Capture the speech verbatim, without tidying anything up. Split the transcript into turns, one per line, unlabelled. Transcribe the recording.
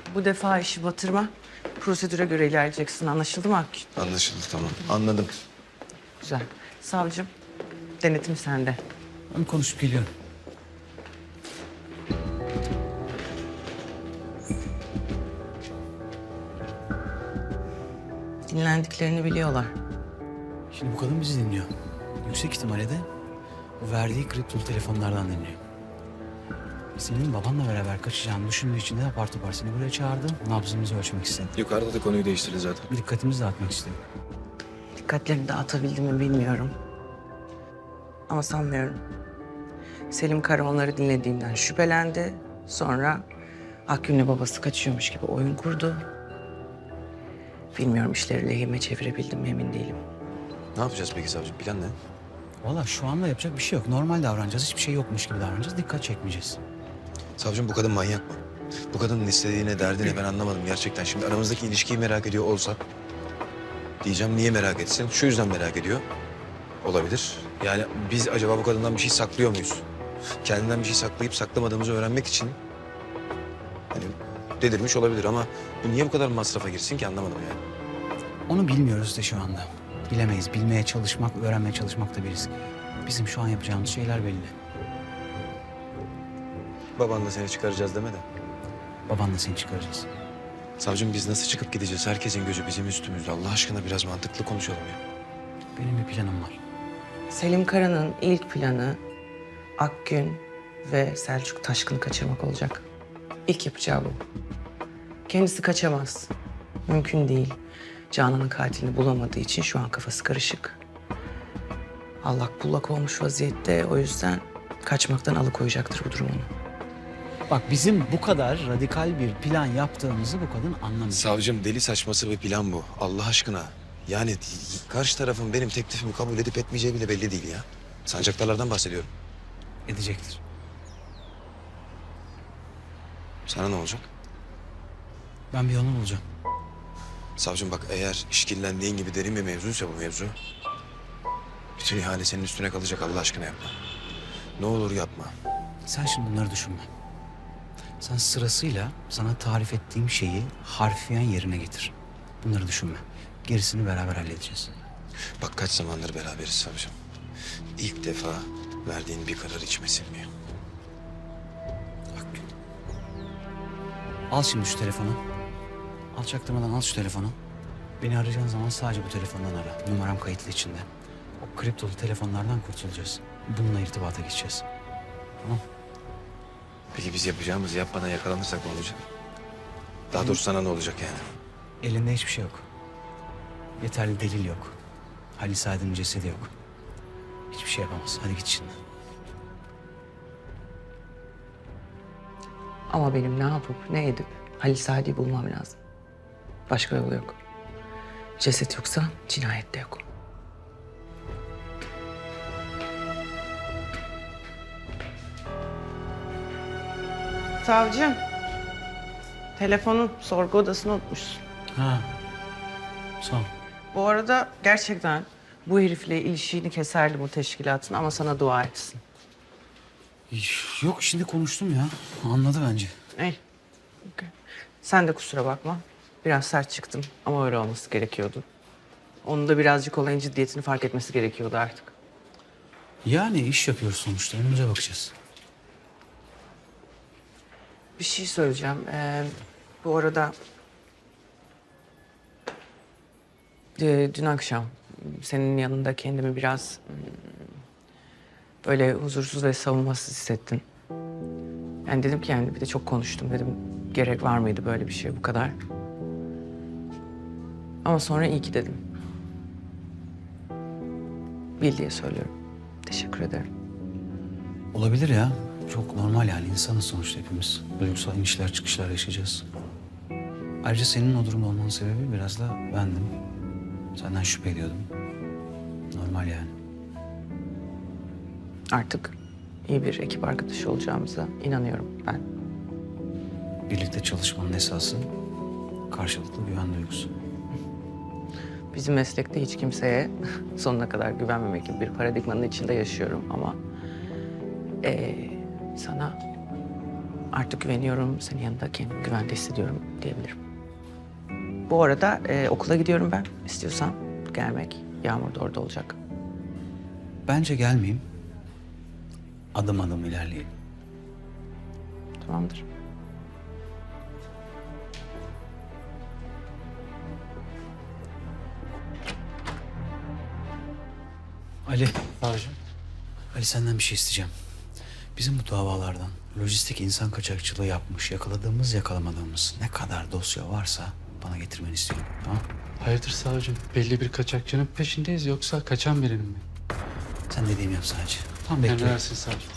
Bu defa işi batırma. Prosedüre göre ilerleyeceksin. Anlaşıldı mı Akgün?
Anlaşıldı, tamam. Anladım.
Güzel. Savcım, denetim sende.
Ben konuşup geliyorum.
Dinlendiklerini biliyorlar.
Şimdi bu kadın bizi dinliyor. Yüksek ihtimalle de bu verdiği kriptolu telefonlardan dinliyor. Senin babanla beraber kaçacağını düşündüğü için de apar topar seni buraya çağırdı. Nabzımızı ölçmek istedi.
Yukarıda da konuyu değiştirdi zaten.
Bir dikkatimizi dağıtmak istedi.
Dikkatlerini dağıtabildim mi bilmiyorum. Ama sanmıyorum. Selim Kara onları dinlediğinden şüphelendi. Sonra Akgün'le babası kaçıyormuş gibi oyun kurdu. Bilmiyorum işleri lehime çevirebildim mi emin değilim.
Ne yapacağız peki savcım? Plan ne?
Vallahi şu anda yapacak bir şey yok. Normal davranacağız. Hiçbir şey yokmuş gibi davranacağız. Dikkat çekmeyeceğiz.
Savcım bu kadın manyak mı? Bu kadının istediğine, derdine ben anlamadım gerçekten. Şimdi aramızdaki ilişkiyi merak ediyor olsa... Diyeceğim niye merak etsin? Şu yüzden merak ediyor. Olabilir. Yani biz acaba bu kadından bir şey saklıyor muyuz? Kendinden bir şey saklayıp saklamadığımızı öğrenmek için... Hani delirmiş olabilir ama bu niye bu kadar masrafa girsin ki anlamadım yani.
Onu bilmiyoruz da şu anda. Bilemeyiz. Bilmeye çalışmak, öğrenmeye çalışmak da bir risk. Bizim şu an yapacağımız şeyler belli.
Babanla seni çıkaracağız deme de.
Babanla seni çıkaracağız.
Savcım biz nasıl çıkıp gideceğiz? Herkesin gözü bizim üstümüzde. Allah aşkına biraz mantıklı konuşalım ya.
Benim bir planım var.
Selim Kara'nın ilk planı Akgün ve Selçuk Taşkın'ı kaçırmak olacak. İlk yapacağı bu. Kendisi kaçamaz. Mümkün değil. Canan'ın katilini bulamadığı için şu an kafası karışık. Allak bullak olmuş vaziyette. O yüzden kaçmaktan alıkoyacaktır bu durum onu.
Bak bizim bu kadar radikal bir plan yaptığımızı bu kadın anlamıyor.
Savcım deli saçması bir plan bu. Allah aşkına. Yani karşı tarafın benim teklifimi kabul edip etmeyeceği bile belli değil ya. Sancaktarlardan bahsediyorum.
Edecektir.
Sana ne olacak?
Ben bir yolunu bulacağım.
Savcım bak eğer işkillendiğin gibi derin bir mevzuysa bu mevzu... bütün ihale senin üstüne kalacak Allah aşkına yapma. Ne olur yapma.
Sen şimdi bunları düşünme. Sen sırasıyla sana tarif ettiğim şeyi harfiyen yerine getir. Bunları düşünme. Gerisini beraber halledeceğiz.
Bak kaç zamandır beraberiz savcım. İlk defa verdiğin bir karar içime sinmiyor.
Bak. Al şimdi şu telefonu. Al çaktırmadan al şu telefonu. Beni arayacağın zaman sadece bu telefondan ara. Numaram kayıtlı içinde. O kriptolu telefonlardan kurtulacağız. Bununla irtibata geçeceğiz. Tamam.
Peki biz yapacağımızı yapmadan yakalanırsak ne olacak? Daha doğrusu sana ne olacak yani?
Elinde hiçbir şey yok. Yeterli delil yok. Halil Saad'ın cesedi yok. Hiçbir şey yapamaz. Hadi git şimdi.
Ama benim ne yapıp ne edip Halil Sadi'yi bulmam lazım. Başka yolu yok. Ceset yoksa cinayet de yok. Savcım. Telefonu sorgu odasına unutmuşsun.
Ha. Sağ ol.
Bu arada gerçekten bu herifle ilişiğini keserdi bu teşkilatın ama sana dua etsin.
Yok şimdi konuştum ya. Anladı bence.
Ey. okey. Sen de kusura bakma. Biraz sert çıktım ama öyle olması gerekiyordu. Onun da birazcık olayın ciddiyetini fark etmesi gerekiyordu artık.
Yani iş yapıyoruz sonuçta. Önümüze bakacağız.
Bir şey söyleyeceğim. Ee, bu arada... e, dün akşam senin yanında kendimi biraz... hmm, böyle huzursuz ve savunmasız hissettim. Yani dedim ki yani bir de çok konuştum dedim. Gerek var mıydı böyle bir şey bu kadar? Ama sonra iyi ki dedim. Bil diye söylüyorum. Teşekkür ederim.
Olabilir ya. Çok normal yani. İnsanız sonuçta hepimiz. Duygusal inişler çıkışlar yaşayacağız. Ayrıca senin o durumda olmanın sebebi biraz da bendim. Senden şüphe ediyordum. Normal yani.
Artık iyi bir ekip arkadaşı olacağımıza inanıyorum ben.
Birlikte çalışmanın esası karşılıklı güven duygusu.
Bizim meslekte hiç kimseye sonuna kadar güvenmemek gibi bir paradigmanın içinde yaşıyorum ama... eee, sana Artık güveniyorum, senin yanında kendimi güvende hissediyorum diyebilirim. Bu arada e, okula gidiyorum ben. İstiyorsan gelmek. Yağmur da orada olacak.
Bence gelmeyeyim. Adım adım ilerleyelim.
Tamamdır.
Ali,
Savcım.
Ali senden bir şey isteyeceğim. Bizim bu davalardan lojistik insan kaçakçılığı yapmış, yakaladığımız yakalamadığımız ne kadar dosya varsa bana getirmeni istiyorum. Tamam?
Hayırdır savcım? Belli bir kaçakçının peşindeyiz yoksa kaçan birinin mi?
Sen dediğimi yap sadece. Tamam bekle.
Emredersin savcım.